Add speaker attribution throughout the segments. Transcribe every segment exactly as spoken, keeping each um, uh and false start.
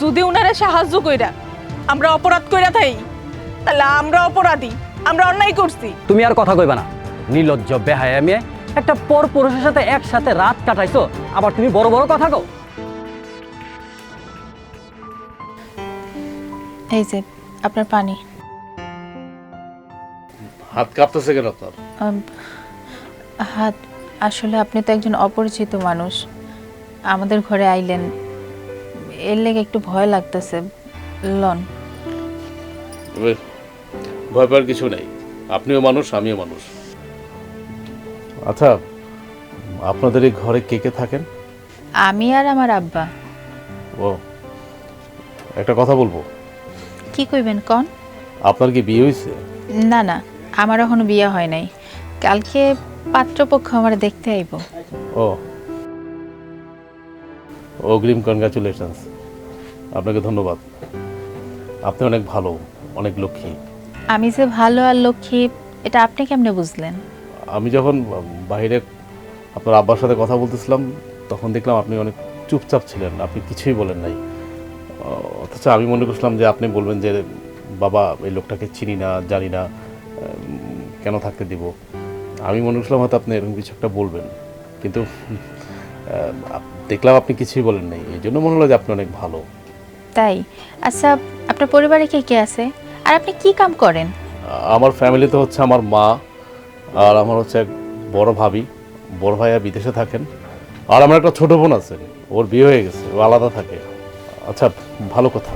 Speaker 1: যদি উনারা সাহায্য কইরা আমরা অপরাধ কইরা থাই তাহলে আমরা অপরাধী, আমরা অন্যায় করছি।
Speaker 2: তুমি আর কথা কইবা না, নির্লজ্জ বেহায়া মেয়ে। একটা পর পুরুষের সাথে একসাথে রাত কাটাইছো, আবার তুমি বড় বড় কথা কও।
Speaker 3: এই যে আপনার পানি।
Speaker 4: হাত কাঁপতেছে কেন আপনার?
Speaker 3: আম, হাত আসলে আপনি তো একজন অপরিচিত মানুষ, আমাদের ঘরে আইলেন, এর লেগে একটু ভয় লাগতেছে। লন।
Speaker 4: এবার ভয় পাওয়ার কিছু নেই, আপনিও মানুষ আমিও মানুষ। আচ্ছা, আপনাদের এই ঘরে কে কে থাকেন?
Speaker 3: আমি আর আমার আব্বা।
Speaker 4: ও, একটা কথা বলবো।
Speaker 3: কি কইবেন কন?
Speaker 4: আপনার কি বিয়ে হয়েছে?
Speaker 3: না না, আমার এখনো বিয়ে হয় নাই, কালকে পাত্রপক্ষ আমার দেখতে আইব।
Speaker 4: ও, অগ্রিম কনগ্রাচুলেশনস, আপনাকে ধন্যবাদ। আপনি অনেক ভালো, অনেক লক্ষ্মী।
Speaker 3: আমি যে ভালো আর লক্ষ্মী এটা আপনি কেমনে বুঝলেন?
Speaker 4: আমি যখন বাইরে আপনার আব্বার সাথে কথা বলতেছিলাম তখন দেখলাম আপনি অনেক চুপচাপ ছিলেন, আপনি কিছুই বলেন নাই। অথচ আমি মনে করছিলাম যে আপনি বলবেন যে বাবা এই লোকটাকে চিনি না, জানি না, কেন থাকতে দিব। আমি মনে করছিলাম হয়তো আপনি এরকম কিছু একটা বলবেন, কিন্তু দেখলাম আপনি কিছুই বলেন নাই। এই জন্য মনে হলো যে আপনি অনেক ভালো।
Speaker 3: তাই? আচ্ছা, আপনার পরিবারে কে কে আছে আর আপনি কি কাম করেন?
Speaker 4: আমার ফ্যামিলিতে হচ্ছে আমার মা, আর আমার হচ্ছে এক বড় ভাবি, বড় ভাইয়া বিদেশে থাকেন, আর আমার একটা ছোট বোন আছে, ওর বিয়ে হয়ে গেছে, ও আলাদা থাকে। আচ্ছা, ভালো কথা।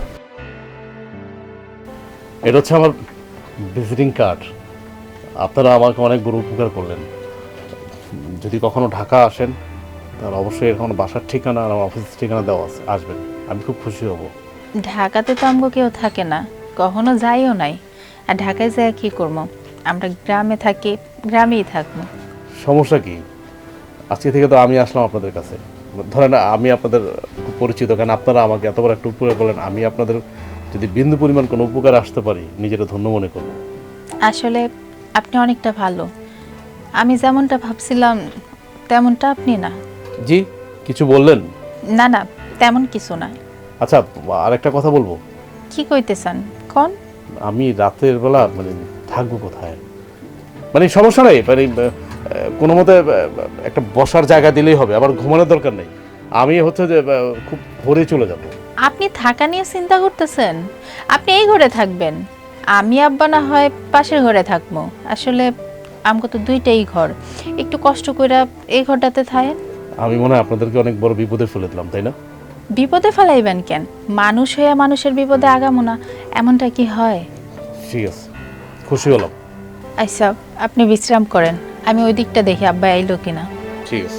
Speaker 4: এটা হচ্ছে আমার ভিজিটিং কার্ড। আপনারা আমাকে অনেক বড় উপকার করলেন। যদি কখনো ঢাকা আসেন তাহলে অবশ্যই এরকম বাসার ঠিকানা আর আমার অফিসের ঠিকানা দেওয়া আছে, আসবেন, আমি খুব খুশি হব।
Speaker 3: ঢাকাতে তো আমগো কেউ থাকে না, কখনো যাইও নাই। আর ঢাকায় যায় কি করবো? আমরা গ্রামে থাকি, গ্রামেই থাকবো।
Speaker 4: সমস্যা কি? আজকে থেকে তো আমি আসলাম আপনাদের কাছে। ধরেন আমি আপনাদের খুব পরিচিত, কারণ আপনারা আমাকে এত বড় একটা উপকার করলেন। আমি আপনাদের যদি বিন্দু পরিমাণ কোনো উপকার আসতে পারি নিজেরা ধন্য মনে করব।
Speaker 3: আসলে আপনি অনেকটা ভালো, আমি যেমনটা ভাবছিলাম তেমনটা আপনি না।
Speaker 4: জি, কিছু বললেন?
Speaker 3: না না, তেমন কিছু না।
Speaker 4: আচ্ছা, আরেকটা কথা বলবো।
Speaker 3: কি কইতেছেন কোন?
Speaker 4: আমি রাতের বেলা মানে থাকবো কোথায়? মানে সমস্যা নেই, মানে কোনো মতে একটা বসার জায়গা দিলেই হবে, আবার ঘুমানোর দরকার নেই। আমি হচ্ছে যে খুব ভোরে চলে যাব।
Speaker 3: আপনি থাকা নিয়ে চিন্তা করতেছেন? আপনি এই ঘরে থাকবেন, আমি আব্বা না হয় পাশের ঘরে থাকবো। আসলে আমগো তো দুইটাই ঘর, একটু কষ্ট করে এই ঘরটাতে থাকেন।
Speaker 4: আমি মনে হয় আপনাদেরকে অনেক বড় বিপদে ফেলে দিলাম, তাই না?
Speaker 3: বিপদে ফেলাইবেন কেন? মানুষ হয়ে মানুষের বিপদে আগামো না, এমনটা কি হয়?
Speaker 4: ঠিক আছে, খুশি হলাম।
Speaker 3: আচ্ছা, আপনি বিশ্রাম করেন, আমি ওই দিকটা দেখি আব্বা আইলো কিনা।
Speaker 4: ঠিক আছে।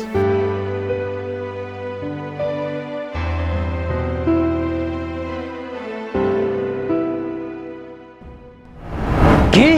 Speaker 2: কি?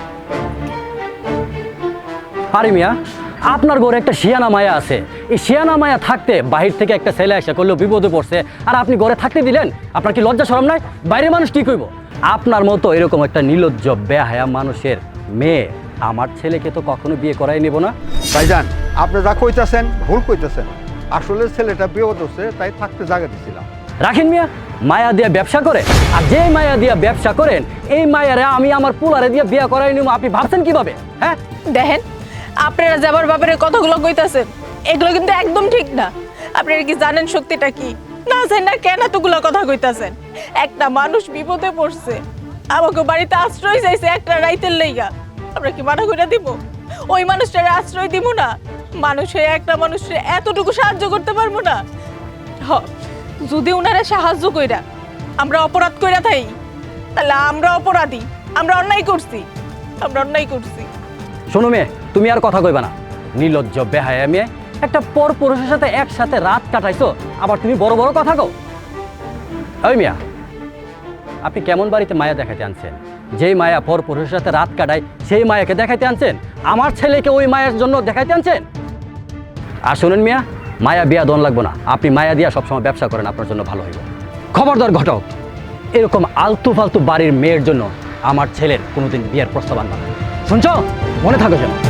Speaker 2: আরে মিয়া, আপনার ঘরে একটা শিয়ানা মায়া আছে। এই শিয়ানা মায়া থাকতে বাহির থেকে একটা ছেলে এসে করলেও বিপদে পড়ছে, আর আপনি ঘরে থাকতে দিলেন? আপনার কি লজ্জা শরম নাই? বাইরের মানুষ কি কইব? আপনার মতো এরকম একটা নির্লজ্জ বেহায়া মানুষের মেয়ে আমার ছেলেকে তো কখনো বিয়ে করাই নেব না।
Speaker 5: ভাইজান, আপনি যা কইতাছেন ভুল কইতাছেন। আসলে ছেলেটা বিপদ হচ্ছে, তাই থাকতে জায়গা দিছিলাম।
Speaker 2: রাখেন মিয়া, মায়া দিয়া ব্যবসা করে, আর যে মায়া দিয়া ব্যবসা করেন এই মায়ারে আমি আমার পোলারে দিয়ে বিয়ে করাই নেব, আপনি ভাবছেন কিভাবে? হ্যাঁ
Speaker 1: দেখেন, আপনারা যাবার ব্যাপারে কথাগুলো কইতাছেন এগুলো কিন্তু একদম ঠিক না। আপনারা কি জানেন সত্যিটা কি? না জানেন না কেন এতগুলো কথা কইতাছেন? একটা মানুষ বিপদে পড়ছে, আমাকে বাড়িতে আশ্রয় চাইছে একটা রাইতের লাইগা, আমরা কি মানা কইরা দিব? ওই মানুষটারে আশ্রয় দিব না? মানুষ হয়ে একটা মানুষের এতটুকু সাহায্য করতে পারবো না? হ, যদি উনারা সাহায্য কইরা আমরা অপরাধ কইরা থাই তাহলে আমরা অপরাধী, আমরা অন্যায় করছি, আমরা অন্যায় করছি।
Speaker 2: শোনো মেয়ে, তুমি আর কথা কইবা না, নির্লজ্জ বেহায়া মেয়ে। একটা পর পুরুষের সাথে একসাথে রাত কাটাইছো, আবার তুমি বড় বড় কথা কও। ওই মিয়া, আপনি কেমন বাড়িতে মায়া দেখাইতে আনছেন? যেই মায়া পর পুরুষের সাথে রাত কাটায় সেই মায়াকে দেখাইতে আনছেন? আমার ছেলেকে ওই মায়ের জন্য দেখাইতে আনছেন? আর শুনেন মিয়া, মায়া বিয়া দন লাগবো না, আপনি মায়া দিয়া সবসময় ব্যবসা করেন, আপনার জন্য ভালো হইব। খবরদার ঘটক, এরকম আলতু ফালতু বাড়ির মেয়ের জন্য আমার ছেলের কোনোদিন বিয়ের প্রস্তাব আনবা না, শুনছ? মনে থাকো যেন।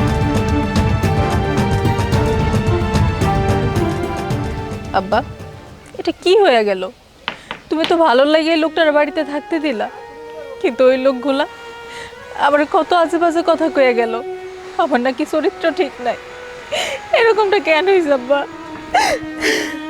Speaker 1: আব্বা, এটা কি হয়ে গেল? তুমি তো ভালো লাগে এই লোকটার বাড়িতে থাকতে দিলা, কিন্তু ওই লোকগুলা আবার কত আজে বাজে কথা কয়ে গেল, আমার নাকি চরিত্র ঠিক নাই। এরকমটা কেন হয়েছে আব্বা?